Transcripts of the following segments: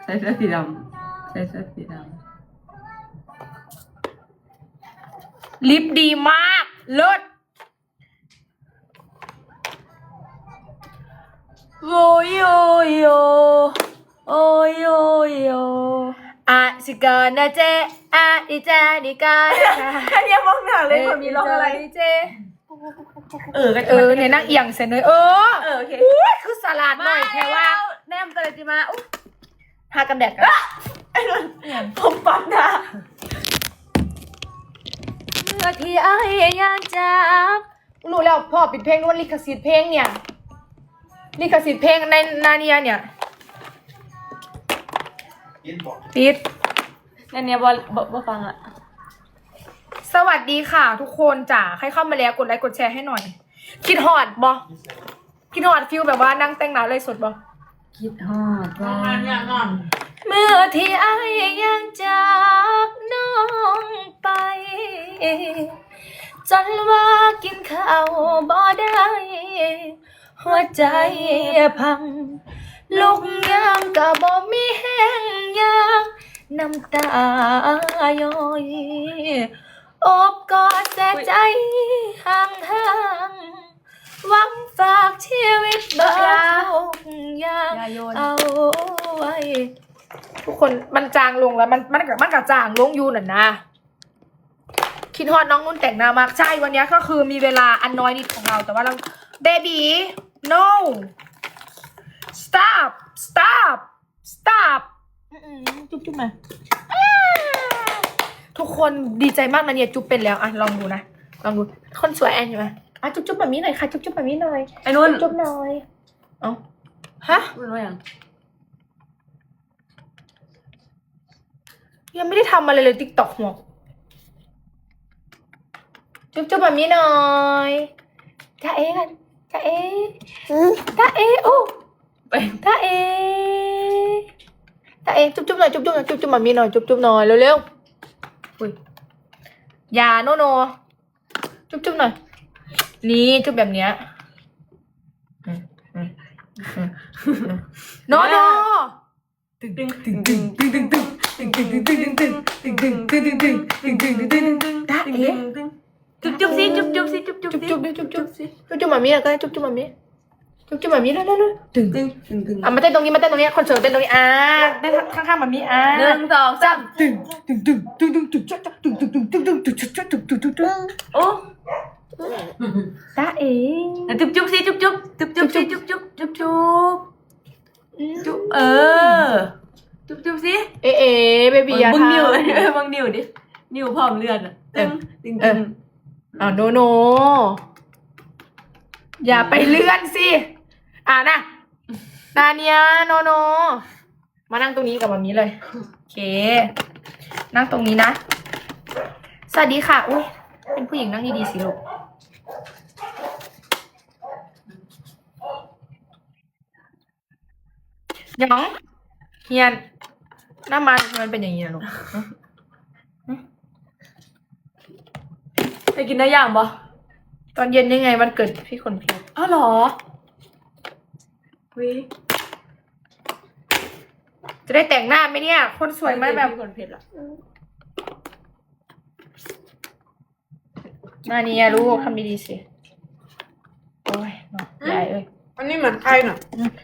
ใส่เสื้อสีดำใส่เสื้อสีดำลิปดีมากเลิศโอยโอยโยโอยโอยโยอะสิกานะเจอะดิเจดิกาอย่ามองหน้าเลยคนมีร้องอะไรเจเนี่ยนั่งเอียงเสร็จเลยโอเคอุ้ยคือสลัดหน่อยแค่ว่าแนมกันเลยจิมาอุ๊ยทากันแดดกันไอ้นนผมปัดนะเมื่อที่ไอ้ยังจากรู้แล้วพ่อปิดเพลงนู้นลิขสิทธิ์เพลงเนี่ยลิขสิทธิ์เพลงในนาเนียเนี่ยปิดนั่นเนี่ยบ่ฟังอ่ะสวัสดีค่ะทุกคนจ๋าใครเข้ามาแล้วกดไลค์กดแชร์ให้หน่อยคิดฮอดบอคิดฮอดฟิลแบบว่านั่งแต่งหน้าเลยสดบอคิดฮอดว่าเมื่อที่ไอ้ยังจากน้องไปจนว่ากินข้าวบ่ได้หัวใจพังลุกยามก็บ่มีแห้งยางน้ำตาย้อยอบกอดแต่ใจห่างหวังฝากชีวิตบ่ทุกอย่างเอาไว้ทุกคนมันจางลงแล้วมันกับจางลงอยู่น่ะนะคิดฮอดน้องนุ่นแต่งหน้ามากใช่วันนี้ก็คือมีเวลาอันน้อยนิดของเราแต่ว่าเราเบบี no stop จุ๊บมาทุกคนดีใจมากนะเนี่ยจุ๊บเป็นแล้วอ่ะลองดูนะลองดูคนสวยแอนใช่ไหมอ่ะจุ๊บแบบนี้หน่อยค่ะจุ๊บแบบนี้หน่อยไอ้นุ่นจุ๊บหน่อยเอ้าฮะนุ่นว่ายังยังไม่ได้ทำอะไรเลยติ๊กต็อกหัวจุ๊บแบบนี้หน่อยจ้าเอ๋กันจ้าเอ๋จ้าเอ๋โอ้ไปจ้าเอ๋จ้าเอ๋จุ๊บหน่อยจุ๊บแบบนี้หน่อยจุ๊บหน่อยเร็วๆอุ้ยอย่าโนจุ๊บหน่อยนี่จุ๊บแบบเนี้ยโนตึงตาเอ๋จุ๊บสิจุ๊บสิจุ๊บมามีก็ได้จุ๊บมามีจุ๊บมามีแล้วตึงตึงมาเต้นตรงนี้คอนเสิร์ตเต้นตรงนี้เต้นข้างๆมามี 1 2 3โอ้ตาเอ๋จุ๊บสิจุ๊บสิจุ๊บสิจุ๊บจุ๊บสิเอ๋เบบี้ยามึงทานิ้วมึงนิ้วดินิ้วพร้อมเลือดอ่ะตึงโนอย่าไปเลื่อนสินะนาเนียโนมานั่งตรงนี้กับแบบนี้เลยโอเคนั่งตรงนี้นะสวัสดีค่ะอุ้ยเป็นผู้หญิงนั่งดีๆสิลูกยังเฮียนหน้ามันมันเป็นอย่างนี้นะลูกไปกินได้ย่างปะตอนเย็นยังไงวันเกิดพี่คนเพชรอ้าวเหรอวิจะได้แต่งหน้าไหมเนี่ยคนสวยมากแบบคนเพชรอ่ะมานี่ลูกทำดีๆสิโอ้ยเนาะยายเอ้ยอันนี้เหมือนใครน่ะ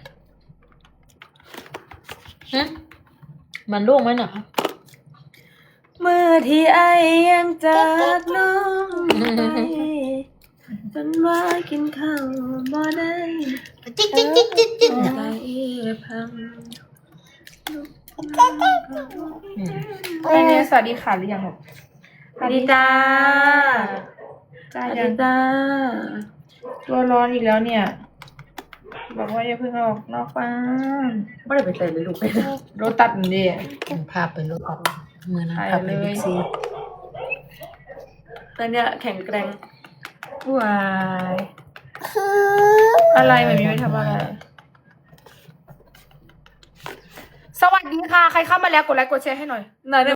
มันร่วงไหมน่ะเมื่อที่ไอ้ยังจากน้องไปจนว่ากินข้าวบ่ได้จิ๊กใจพังไอ้เนี่ยสวัสดีค่ะหรือยังลูกสวัสดีจ้าจ้าสวัสยัดีงจ้าตัวร้อนอีกแล้วเนี่ยบอกว่าอย่าเพิ่งออกนอกบ้านไม่ได้ไปใส่เลยลูกไปรถตัดดิพาไปรถออกเมื่อนั้นไปพาไปเลยบิ๊กซีตอนเนี้ยแข็งแกร่งวายอะไรแบบนี้ไม่ทำอะไรสวัสดีค่ะใครเข้ามาแล้วกดไลค์กดแชร์ให้หน่อยไหน